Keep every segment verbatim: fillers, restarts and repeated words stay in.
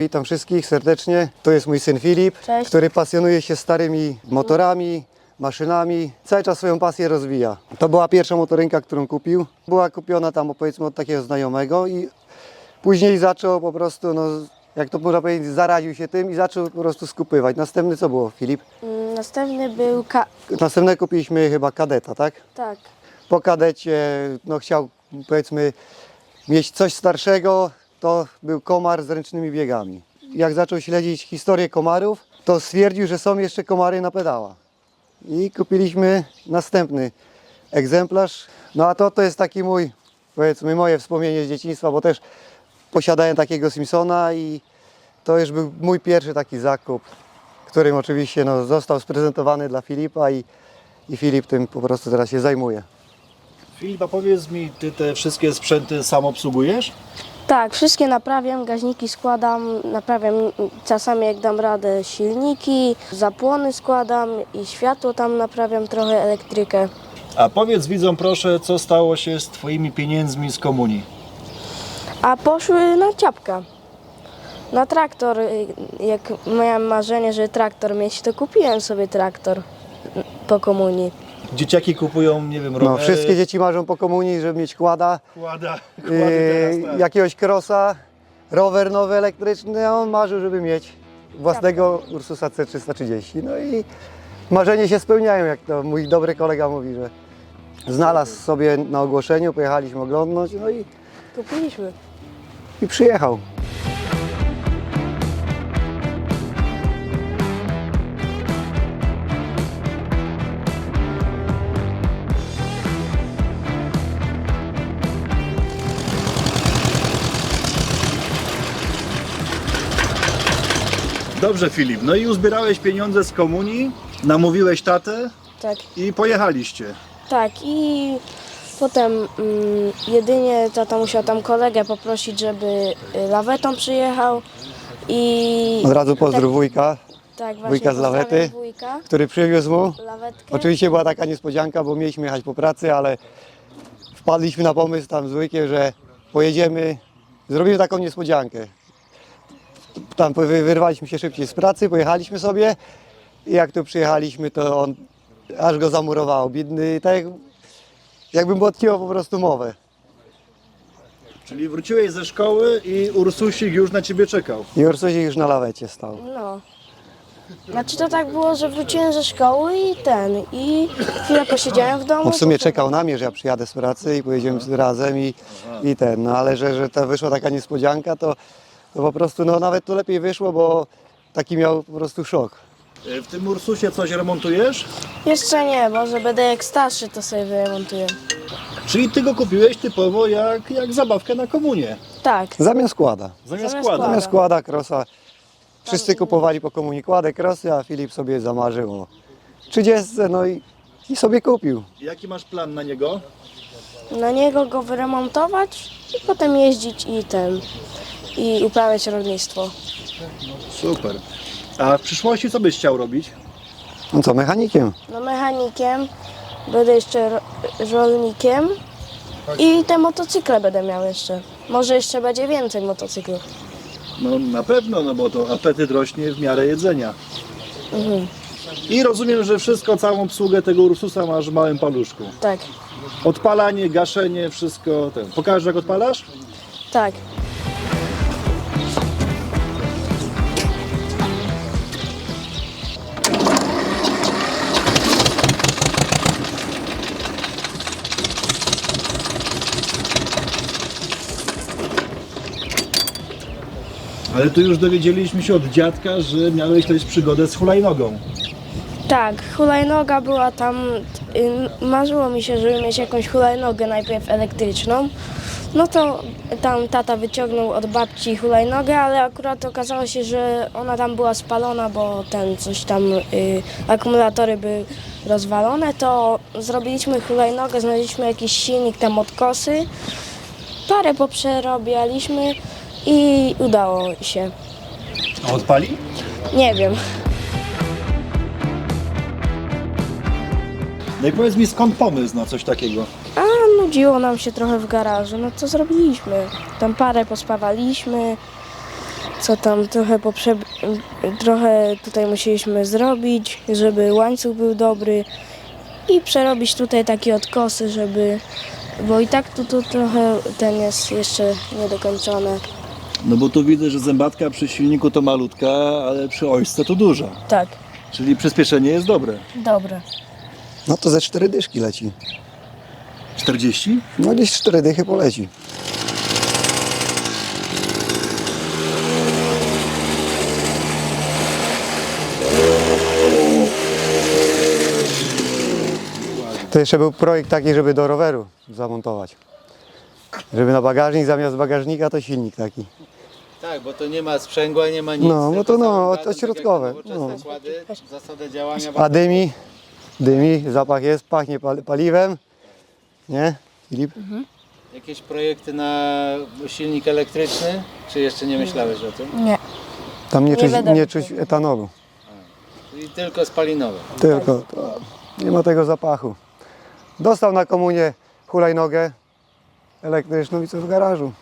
Witam wszystkich serdecznie. To jest mój syn Filip, Cześć. który pasjonuje się starymi motorami, maszynami. Cały czas swoją pasję rozwija. To była pierwsza motorynka, którą kupił. Była kupiona tam, powiedzmy, od takiego znajomego i później zaczął po prostu, no, jak to można powiedzieć, zaraził się tym i zaczął po prostu skupywać. Następny co było, Filip? Mm, Następny był ka... Następne kupiliśmy chyba kadeta, tak? tak. Po kadecie, no, chciał, powiedzmy, mieć coś starszego. To był komar z ręcznymi biegami. Jak zaczął śledzić historię komarów, to stwierdził, że są jeszcze komary na pedała. I kupiliśmy następny egzemplarz. No a to, to jest taki mój, powiedzmy, moje wspomnienie z dzieciństwa, bo też posiadałem takiego Simpsona i to już był mój pierwszy taki zakup, którym oczywiście no, został sprezentowany dla Filipa i, i Filip tym po prostu teraz się zajmuje. Filip, a powiedz mi, ty te wszystkie sprzęty sam obsługujesz? Tak, wszystkie naprawiam, gaźniki składam, naprawiam czasami jak dam radę silniki, zapłony składam i światło tam naprawiam, trochę elektrykę. A powiedz widzom proszę, co stało się z twoimi pieniędzmi z komunii? A poszły na ciapka. Na traktor, jak miałem marzenie, żeby traktor mieć, to kupiłem sobie traktor po komunii. Dzieciaki kupują, nie wiem, rowery. No, wszystkie dzieci marzą po komunii, żeby mieć kłada, Kłada, kłady yy, teraz, tak. jakiegoś crossa, rower nowy elektryczny, a on marzył, żeby mieć własnego Ursusa C trzysta trzydzieści. No i marzenie się spełniają, jak to mój dobry kolega mówi, że znalazł sobie na ogłoszeniu, pojechaliśmy oglądnąć, no i, Kupiliśmy. i przyjechał. Dobrze Filip, no i uzbierałeś pieniądze z komunii, namówiłeś tatę Tak. i pojechaliście. Tak i potem mm, jedynie tata musiał tam kolegę poprosić, żeby y, lawetą przyjechał i... Od razu pozdrów wujka, tak, właśnie wujka z lawety. pozdrawiam wujka, który przywiózł mu. lawetkę. Oczywiście była taka niespodzianka, bo mieliśmy jechać po pracy, ale wpadliśmy na pomysł tam z wujkiem, że pojedziemy, zrobimy taką niespodziankę. Tam wy- wyrwaliśmy się szybciej z pracy, pojechaliśmy sobie i jak tu przyjechaliśmy, to on aż go zamurowało, biedny, tak jak, jakbym mu odciął po prostu mowę. Czyli wróciłeś ze szkoły i Ursusik już na ciebie czekał. I Ursusik już na lawecie stał. No. Znaczy to tak było, że wróciłem ze szkoły i ten, i chwilę posiedziałem w domu. On w sumie to- czekał na mnie, że ja przyjadę z pracy i pojedziemy razem i, i ten, no ale że, że ta wyszła taka niespodzianka, to, to po prostu no nawet to lepiej wyszło, bo taki miał po prostu szok. W tym Ursusie coś remontujesz? Jeszcze nie, może będę jak starszy, to sobie wyremontuję. Czyli ty go kupiłeś typowo jak, jak zabawkę na komunię. Tak. Zamiast kłada. Zamiast Zamiast kłada. Zamiast kłada, krosa. Wszyscy kupowali po komunii kładę, krosy, a Filip sobie zamarzył o trzydziestce, no i, i sobie kupił. Jaki masz plan na niego? Na niego go wyremontować i potem jeździć i ten, i uprawiać rolnictwo. Super. A w przyszłości co byś chciał robić? No co, mechanikiem? No mechanikiem, będę jeszcze ro- rolnikiem i te motocykle będę miał jeszcze. Może jeszcze będzie więcej motocyklów. No na pewno, no bo to apetyt rośnie w miarę jedzenia. I rozumiem, że wszystko, całą obsługę tego Ursusa masz w małym paluszku. Tak, Odpalanie, gaszenie, wszystko ten. Pokażesz jak odpalasz? tak. Ale tu już dowiedzieliśmy się od dziadka, że miałeś też przygodę z hulajnogą. Tak, hulajnoga była tam, y, marzyło mi się, żeby mieć jakąś hulajnogę najpierw elektryczną. No to tam tata wyciągnął od babci hulajnogę, ale akurat okazało się, że ona tam była spalona, bo ten coś tam, y, akumulatory były rozwalone, to zrobiliśmy hulajnogę, znaleźliśmy jakiś silnik tam od kosy, parę poprzerobialiśmy i udało się. A odpali? Nie wiem. No i powiedz mi, skąd pomysł na coś takiego? A nudziło nam się trochę w garażu, no to zrobiliśmy. Tam parę pospawaliśmy, co tam trochę poprze... trochę tutaj musieliśmy zrobić, żeby łańcuch był dobry i przerobić tutaj takie odkosy, żeby, bo i tak tu, tu trochę ten jest jeszcze niedokończony. No bo tu widzę, że zębatka przy silniku to malutka, ale przy ośce to duża. Tak, Czyli przyspieszenie jest dobre. dobre. No to ze cztery dyszki leci. czterdzieści? No gdzieś cztery dychy poleci. To jeszcze był projekt taki, żeby do roweru zamontować. Żeby na bagażnik zamiast bagażnika to silnik taki. Tak, bo to nie ma sprzęgła, nie ma nic. No, no tylko to no, samym to gazem, środkowe, tak jak te nowoczesne no. składy, zasada działania. A dymi, dymi, zapach jest, pachnie pal- paliwem. Nie, Filip? Jakieś projekty na silnik elektryczny? Czy jeszcze nie myślałeś o tym? Nie. Tam nie Nie czuć, wiadomo. nie czuć etanolu. Czyli tylko spalinowe. Tylko to, nie ma tego zapachu. Dostał na komunię hulajnogę elektryczną i co w garażu.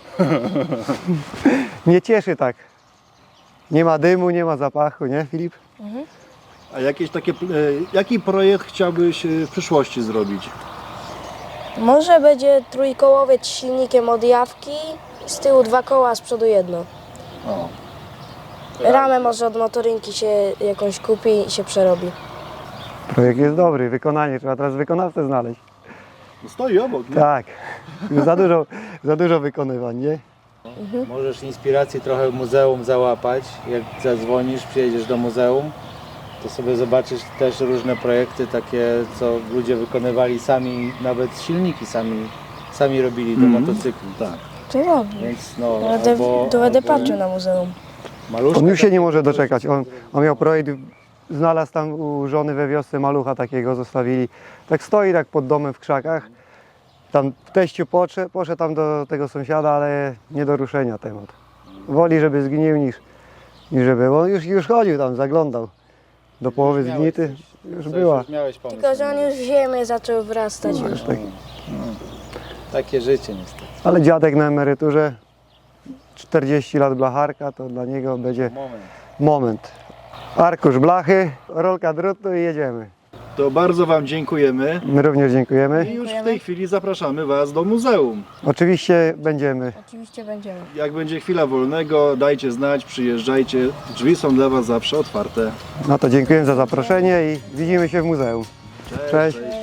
Nie cieszy tak. Nie ma dymu, nie ma zapachu, nie Filip? A jakieś takie, e, jaki projekt chciałbyś e, w przyszłości zrobić? Może będzie trójkołowiec z silnikiem od jawki, z tyłu dwa koła, a z przodu jedno. O. Ramę może od motorynki się jakąś kupi i się przerobi. Projekt jest dobry, wykonanie, trzeba teraz wykonawcę znaleźć. No stoi obok, nie? Tak, już za dużo, za dużo wykonywań, nie? Możesz inspiracji trochę w muzeum załapać. Jak zadzwonisz, przyjedziesz do muzeum, to sobie zobaczysz też różne projekty takie, co ludzie wykonywali sami, nawet silniki sami, sami robili do motocykli. Tak. To dobrze. Więc no, To będę, albo, to będę albo patrzył na muzeum. maluszka, On już się nie może doczekać. On, on miał projekt, znalazł tam u żony we wiosce malucha takiego, zostawili. Tak stoi tak pod domem w krzakach. Tam w teściu poszedł, poszedł tam do tego sąsiada, ale nie do ruszenia temat. Woli, żeby zgnił niż, niż żeby. On już, już chodził tam, zaglądał. Do połowy miałeś zgnity już coś, była. Już miałeś pomysł. Tylko, że on już w ziemię zaczął wrastać już. Tak. Takie życie niestety. Ale dziadek na emeryturze, czterdzieści lat blacharka, to dla niego będzie Moment. moment. Arkusz blachy, rolka drutu i jedziemy. To bardzo Wam dziękujemy. My również I dziękujemy. już w tej chwili zapraszamy Was do muzeum. Oczywiście będziemy. Oczywiście będziemy. Jak będzie chwila wolnego, dajcie znać, przyjeżdżajcie. Drzwi są dla Was zawsze otwarte. No to dziękuję za zaproszenie i widzimy się w muzeum. Cześć. Cześć.